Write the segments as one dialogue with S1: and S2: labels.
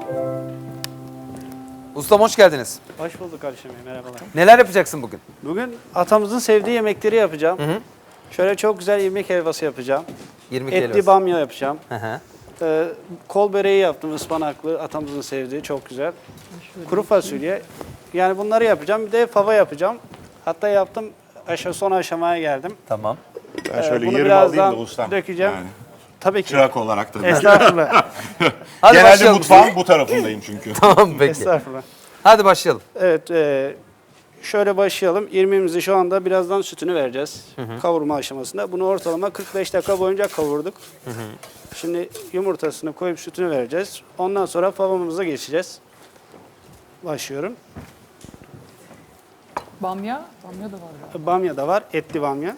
S1: Ustam hoş geldiniz.
S2: Hoş bulduk kardeşim. Merhabalar.
S1: Neler yapacaksın bugün?
S2: Bugün atamızın sevdiği yemekleri yapacağım. Şöyle çok güzel irmik helvası yapacağım.
S1: İrmik
S2: Etli
S1: helvası.
S2: bamya yapacağım.
S1: Hı hı.
S2: Kol böreği yaptım ıspanaklı. Atamızın sevdiği çok güzel. Kuru fasulye. Yani bunları yapacağım. Bir de fava yapacağım. Hatta yaptım. Son aşamaya geldim.
S1: Tamam.
S3: Ben şöyle
S2: Bunu
S3: yerimi alayım da
S2: birazdan
S3: ustam.
S2: dökeceğim.
S3: Yani,
S2: Tabii ki.
S3: çırak olarak tabii.
S2: Estağfurullah.
S1: Hadi
S3: Genelde
S1: başlayalım.
S3: mutfağın bu tarafındayım çünkü.
S1: Tamam peki.
S2: Estağfurullah.
S1: Hadi başlayalım.
S2: Evet. Şöyle başlayalım. İrmiğimizi şu anda birazdan sütünü vereceğiz. Kavurma aşamasında. Bunu ortalama 45 dakika boyunca kavurduk. Şimdi yumurtasını koyup sütünü vereceğiz. Ondan sonra favamıza geçeceğiz. Başlıyorum.
S4: Bamya da var galiba.
S2: Bamya da var. Etli bamya.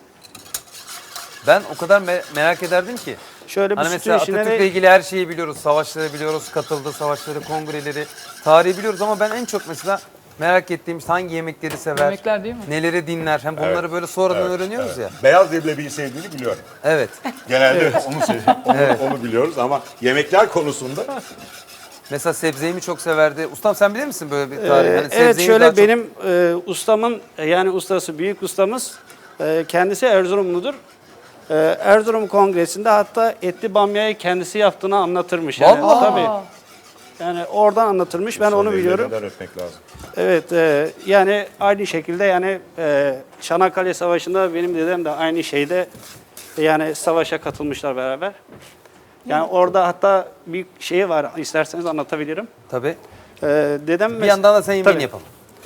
S1: Ben o kadar merak ederdim ki.
S2: Şöyle bir
S1: Hani
S2: sütün
S1: mesela
S2: içine
S1: Atatürk'le ilgili her şeyi biliyoruz. Savaşları biliyoruz, katıldığı savaşları, kongreleri, tarihi biliyoruz ama ben en çok mesela merak ettiğim işte hangi yemekleri sever,
S4: Yemekler değil mi?
S1: neleri dinler. Hem bunları böyle sonradan öğreniyoruz ya.
S3: Beyaz leblebiyi sevdiğini biliyorum.
S1: Evet.
S3: Genelde onu biliyoruz ama yemekler konusunda
S1: Mesela sebzeyi mi çok severdi? Ustam sen bilir misin böyle bir tarih? Hani
S2: evet
S1: sebzeyi
S2: şöyle
S1: daha çok-
S2: benim ustamın yani ustası büyük ustamız kendisi Erzurumludur. Erzurum Kongresi'nde hatta etli bamyayı kendisi yaptığını anlatırmış. Yani,
S1: Vallahi.
S2: tabii. Yani oradan anlatırmış. Ben onu biliyorum.
S3: ellerinden öpmek lazım.
S2: Evet, yani aynı şekilde yani Çanakkale Savaşı'nda benim dedem de aynı şeyde yani savaşa katılmışlar beraber. Yani orada hatta bir şey var, isterseniz anlatabilirim.
S1: Tabii.
S2: Dedem
S1: Bir yandan da sen yemeğini
S2: Tabii.
S1: yapalım.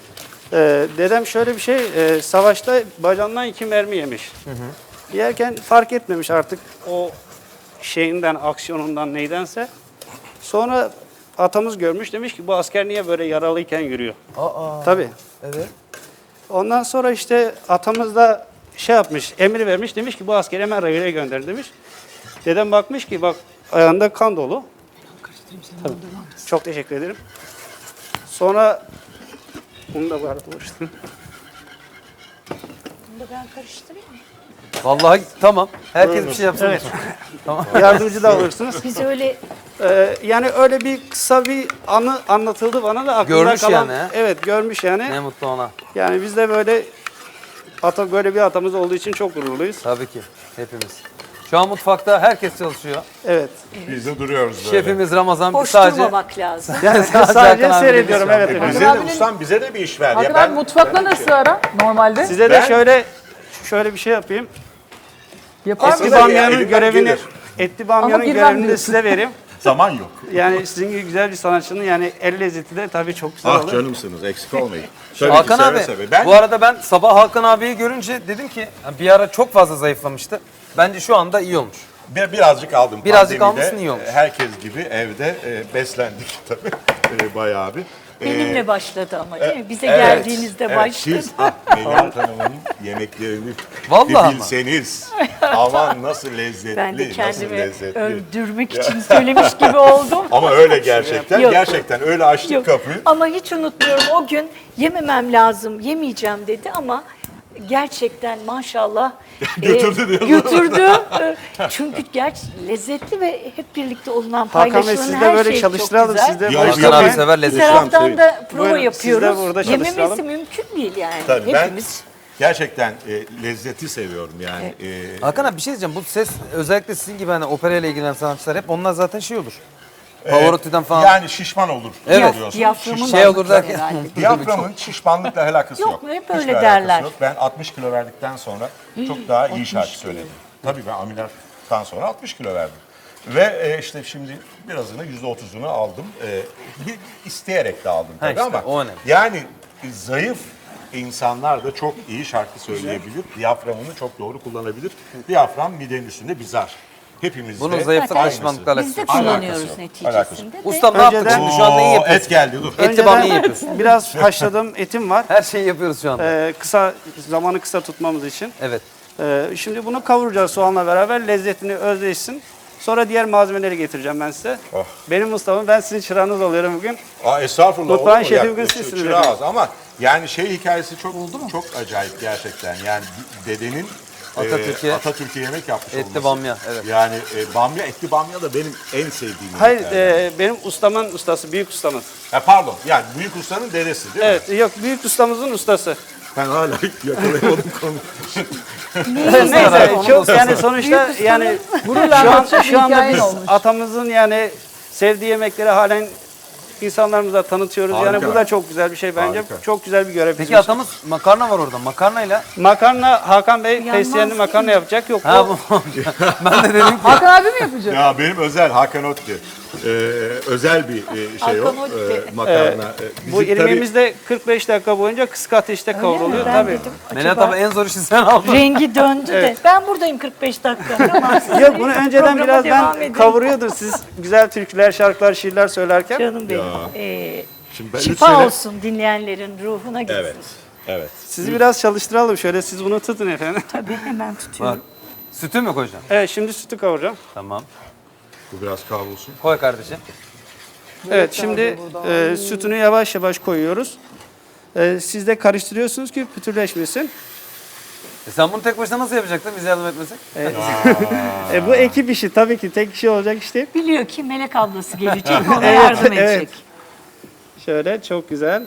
S2: Dedem şöyle bir şey, savaşta bacağından 2 mermi yemiş. Yerken fark etmemiş artık o şeyinden, aksiyonundan neydense. Sonra atamız görmüş, demiş ki bu asker niye böyle yaralıyken yürüyor?
S1: Aa.
S2: Tabii.
S1: Evet.
S2: Ondan sonra işte atamız da şey yapmış, emir vermiş, demiş ki bu askeri hemen rayına gönder demiş. Dedem bakmış ki bak ayağında kan dolu. Tabii. Çok teşekkür ederim. Sonra bunu da bu arada uğraştım.
S5: Bunu da ben karıştırayım mı?
S1: Vallahi tamam. Herkes bir şey yapsın.
S2: Evet. Yardımcı da alırsınız.
S5: Biz öyle
S2: Yani öyle bir kısa bir anı anlatıldı bana da aklımda
S1: Görmüş
S2: kalan.
S1: yani, he?
S2: Evet görmüş yani.
S1: Ne mutlu ona.
S2: Yani biz de böyle böyle bir atamız olduğu için çok gururluyuz.
S1: Tabii ki. Hepimiz. Şu an mutfakta herkes çalışıyor.
S2: Evet.
S3: Biz de duruyoruz böyle.
S1: Şefimiz Ramazan
S5: boş
S1: sadece
S5: durmamak lazım.
S2: Yani
S1: Sadece
S2: sadece
S1: Hakan abi
S2: seyrediyorum
S1: biliyor.
S2: evet efendim.
S3: Bize de
S4: abinin-
S3: ustam bize de bir iş ver.
S4: Hakan
S3: ya.
S4: abi mutfakla nasıl ara normalde?
S2: Size de şöyle bir şey yapayım.
S4: Yapar
S2: Etli
S4: mısın?
S3: Aslında
S2: bamyanın
S3: elimden
S2: görevini
S3: gelir.
S2: Etli bamyanın
S4: Ama bilmem
S2: görevini de
S4: diyorsun.
S2: size vereyim.
S3: Zaman yok.
S2: Yani sizin gibi güzel bir sanatçının yani el lezzeti de tabii çok güzel
S3: Ah
S2: olur.
S3: canımsınız eksik olmayın. Tabii
S1: Hakan
S3: ki, seve
S1: abi,
S3: seve. Ben
S1: bu arada ben sabah Hakan abiyi görünce dedim ki bir ara çok fazla zayıflamıştı. Bence şu anda iyi olmuş.
S3: birazcık aldım.
S1: Birazcık
S3: Pandemide,
S1: almışsın, iyi olmuş.
S3: Herkes gibi evde beslendik tabii. Bayağı bir.
S5: Benimle başladı ama değil mi? Bize
S3: Evet,
S5: geldiğinizde
S3: evet.
S5: başladı.
S3: Siz Melahat Hanım'ın yemeklerini
S1: Vallahi
S3: bir bilseniz. Aman nasıl lezzetli,
S5: Ben de
S3: nasıl
S5: kendimi
S3: lezzetli.
S5: öldürmek için söylemiş gibi oldum.
S3: Ama öyle gerçekten.
S5: Yok.
S3: Gerçekten öyle açtık
S5: Yok.
S3: kapıyı.
S5: Ama hiç unutmuyorum o gün yememem lazım, yemeyeceğim dedi ama gerçekten maşallah
S3: Götürdü diyorsun.
S5: götürdü. Çünkü lezzetli ve hep birlikte olunan
S2: Hakan Bey
S5: paylaşılan
S2: siz de
S5: her
S2: böyle
S5: şey
S2: çalıştıralım.
S5: çok güzel.
S2: Siz de
S3: Ya,
S2: boş
S1: Hakan abi
S2: durmayın.
S1: sever
S5: Bir
S1: lezzeti.
S5: taraftan da prova
S2: Buyurun, siz de
S5: yapıyoruz.
S2: burada çalıştıralım.
S5: Yememesi mümkün değil yani.
S3: Tabii ben
S5: Hepimiz.
S3: gerçekten lezzeti seviyorum yani.
S1: Hakan abi bir şey diyeceğim. Bu ses özellikle sizin gibi hani operayla ilgilenen sanatçılar hep onlar zaten şey olur. Pavarotti'den falan.
S3: Yani şişman olur.
S1: Evet.
S3: diyorsun.
S5: Diyaframın
S1: Şey olur
S5: ağırlıkları
S1: derken-
S5: herhalde.
S3: Diyaframın şişmanlıkla alakası yok.
S5: Yok mu? Hep
S3: Hiçbir
S5: öyle
S3: alakası
S5: derler.
S3: yok. Ben 60 kilo verdikten sonra çok daha iyi şarkı söyledim. Tabii ben ameliyattan sonra 60 kilo verdim. Ve işte şimdi birazını %30'unu aldım. İsteyerek de aldım tabii
S1: işte,
S3: ama
S1: o önemli.
S3: yani zayıf insanlar da çok iyi şarkı söyleyebilir. Diyaframını çok doğru kullanabilir. Diyafram midenin üstünde bir zar. Hepimizde
S1: Bunun zayıflıkla
S3: aynısı.
S1: şişmanlıkla
S5: Biz
S1: alakası
S5: de
S1: yok.
S5: kullanıyoruz
S3: Alakası yok,
S5: neticesinde. de.
S1: Ustam ne yaptık
S2: Önceden-
S1: şimdi? Şu anda iyi
S3: Oo,
S1: yapıyorsun.
S3: et geldi dur.
S1: Etli bamya yapıyorsun.
S2: Biraz haşladığım etim var.
S1: Her şeyi yapıyoruz şu anda.
S2: Zamanı kısa tutmamız için.
S1: Evet.
S2: Şimdi bunu kavuracağız soğanla beraber. Lezzetini özleşsin. Sonra diğer malzemeleri getireceğim ben size.
S3: Oh.
S2: Benim ustamım, ben sizin çırağınız oluyorum bugün.
S3: Estağfurullah.
S2: Mutfağın
S3: olur mu?
S2: şefi
S3: Ya,
S2: bugün sizsiniz
S3: çırağız ama yani şey hikayesi çok acayip gerçekten. Yani dedenin Atatürk'e yemek yapmış
S1: Etli
S3: olması.
S1: bamya, evet.
S3: Yani bamya, etli bamya da benim en sevdiğim
S2: Hayır,
S3: yemeklerden.
S2: benim ustamın ustası, büyük ustamız.
S3: Pardon, yani büyük ustanın dedesi değil mi?
S2: Evet, yok büyük ustamızın ustası.
S3: Ben hala yakalayamadım konuyu.
S2: Neyse,
S1: Onun
S2: çok
S1: ustası.
S2: yani sonuçta yani
S4: Gururla anlatacak bir
S2: şu anda
S4: hikayen
S2: biz
S4: olmuş.
S2: atamızın yani sevdiği yemekleri halen insanlarımıza tanıtıyoruz. Yani
S3: Harika.
S2: bu da çok güzel bir şey bence.
S3: Harika.
S2: Çok güzel bir görev.
S1: Peki
S2: bizim için.
S1: atamız makarna var orada. Makarnayla.
S2: Makarna Hakan Bey
S5: Yanmaz
S2: fesleğenli
S5: değil
S2: makarna
S5: mi?
S2: yapacak. Yok
S1: Ha
S2: bu
S1: bu. Ben de dedim ki.
S4: Hakan abi mi yapacak?
S3: Ya benim özel Hakan Otti. Özel bir şey o.
S5: Hakan Otti.
S3: Makarna.
S2: bu irmiğimiz de 45 dakika boyunca kısık ateşte kavruluyor
S5: Ben
S2: tabii.
S5: dedim,
S1: Melahat
S5: acaba
S1: abi en zor işi sen aldın.
S5: rengi döndü de. Ben buradayım 45 dakika. Tamam, siz
S2: Yok bunu önceden
S5: programa
S2: biraz
S5: devam
S2: ben
S5: edin.
S2: kavuruyordur siz güzel türküler, şarkılar, şiirler söylerken.
S5: Canım benim.
S3: Şimdi ben üç
S5: Şifa
S3: sene-
S5: olsun dinleyenlerin ruhuna gitsin.
S3: Evet. Evet.
S2: Sizi biraz çalıştıralım şöyle siz bunu tutun efendim.
S5: Tabii hemen tutuyorum.
S1: Bak. Sütü mü koyacaksın?
S2: Evet şimdi sütü kavuracağım.
S1: Tamam.
S3: Bu biraz kavrulsun.
S1: Koy kardeşim.
S2: Evet şimdi sütünü yavaş yavaş koyuyoruz. Siz de karıştırıyorsunuz ki pütürleşmesin.
S1: Sen bunu tek başına nasıl yapacaktın? Biz yardım etmesek.
S2: Bu ekip işi tabii ki tek kişi olacak iş değil.
S5: Biliyor ki Melek ablası gelecek ona yardım edecek.
S2: evet. Şöyle çok güzel.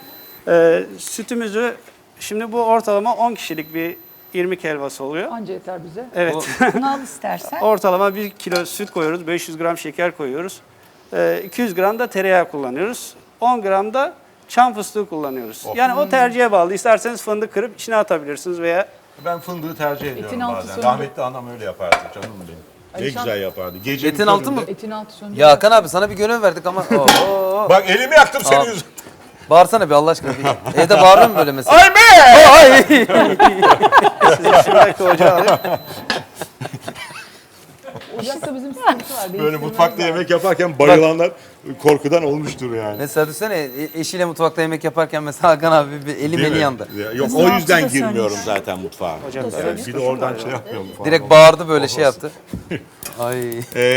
S2: Sütümüzü şimdi bu ortalama 10 kişilik bir irmik helvası oluyor.
S4: Anca yeter bize.
S2: Evet.
S5: Bunu al istersen.
S2: Ortalama 1 kilo süt koyuyoruz, 500 gram şeker koyuyoruz. 200 gram da tereyağı kullanıyoruz. 10 gram da çam fıstığı kullanıyoruz. Yani o tercihe bağlı. İsterseniz fındık kırıp içine atabilirsiniz veya
S3: Ben fındığı tercih ediyorum
S4: altı
S3: bazen.
S4: söndü.
S3: Rahmetli anam öyle yapardı canım benim. Ne
S4: Alişan-
S3: güzel yapardı. Gecenin
S1: Etin altı mı?
S3: köründe-
S4: Etin altı söndü.
S1: Ya Hakan abi sana bir görev verdik ama. Oo.
S3: Bak elimi yaktım senin yüzünden.
S1: Bağırsana bir Allah aşkına. Bir. Evde bağırıyor mu böyle mesela?
S3: Ay be!
S2: size şuradaki ocağı alayım.
S4: Ocakta bizim sıkıntı var.
S3: Böyle
S4: değiştirmemiz
S3: mutfakta
S4: lazım.
S3: yemek yaparken bayılanlar korkudan olmuştur yani.
S1: Mesela düşünsene eşiyle mutfakta yemek yaparken mesela Hakan abi bir eli
S3: Değil
S1: meli
S3: mi?
S1: yandı.
S3: Ya, Yok
S5: Kızın
S3: o
S5: altı
S3: yüzden
S5: da
S3: girmiyorum
S5: sönmüş.
S3: zaten mutfağa. Evet, bir de oradan şey yapmıyorum falan.
S1: Direkt bağırdı böyle şey yaptı. Ay.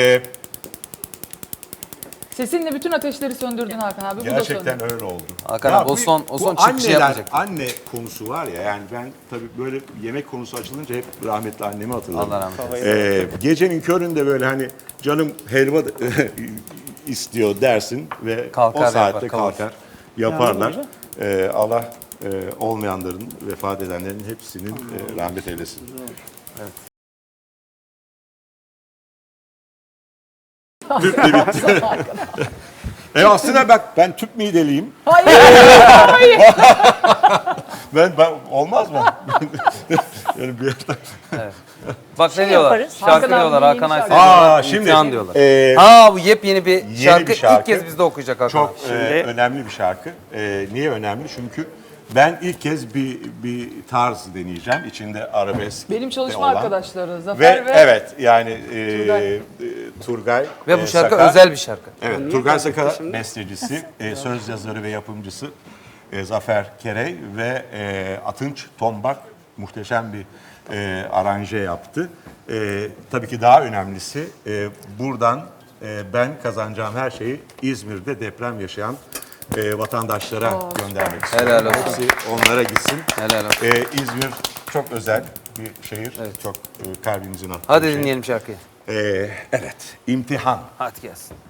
S4: Sesinle bütün ateşleri söndürdün Hakan abi. Bu da söndü.
S3: Gerçekten öyle oldu.
S1: Hakan
S3: Ya
S1: abi, o son
S3: bu
S1: çıkışı
S3: anneler,
S1: yapmayacak.
S3: Anne konusu var ya yani ben tabii böyle yemek konusu açılınca hep rahmetli annemi hatırlarım.
S1: Allah rahmet eylesin.
S3: Gecenin köründe böyle hani canım helva istiyor dersin ve
S1: Kalkar
S3: o saatte
S1: yapar, kavurur.
S3: kalkar yaparlar. Allah olmayanların, vefat edenlerin hepsinin rahmet eylesin. Tüple bitti. Aslında bak ben tüp mideliyim.
S4: Hayır.
S3: Ben olmaz mı? Yani bir yerden.
S1: Bak ne diyorlar?
S5: yaparız.
S1: Şarkı
S4: Hakan abi
S1: diyorlar.
S4: yeni
S1: Hakan
S4: şarkı.
S1: Aysel.
S3: Şimdi
S1: İmtihan diyorlar.
S3: e,
S1: Ha bu yepyeni bir şarkı.
S3: bir şarkı.
S1: İlk kez bizde okuyacak Hakan
S3: çok
S1: abi.
S3: önemli bir şarkı. Niye önemli? Çünkü ben ilk kez bir tarz deneyeceğim. İçinde arabesk
S4: Benim çalışma
S3: olan.
S4: arkadaşları Zafer ve
S3: Evet yani
S4: Turgay.
S3: Turgay
S1: Ve bu şarkı
S3: Saka,
S1: özel bir şarkı.
S3: Evet, Turgay Saka bestecisi, söz yazarı ve yapımcısı Zafer Kerey ve Atınç Tombak muhteşem bir aranje yaptı. Tabii ki daha önemlisi buradan ben kazanacağım her şeyi İzmir'de deprem yaşayan vatandaşlara göndermek istiyorum.
S1: Helal olsun.
S3: Hepsi onlara gitsin.
S1: Helal olsun.
S3: İzmir çok özel bir şehir. Çok kalbimizin attığı
S1: Hadi
S3: bir şey.
S1: dinleyelim şarkıyı.
S3: Evet, imtihan.
S1: Hadi gelsin.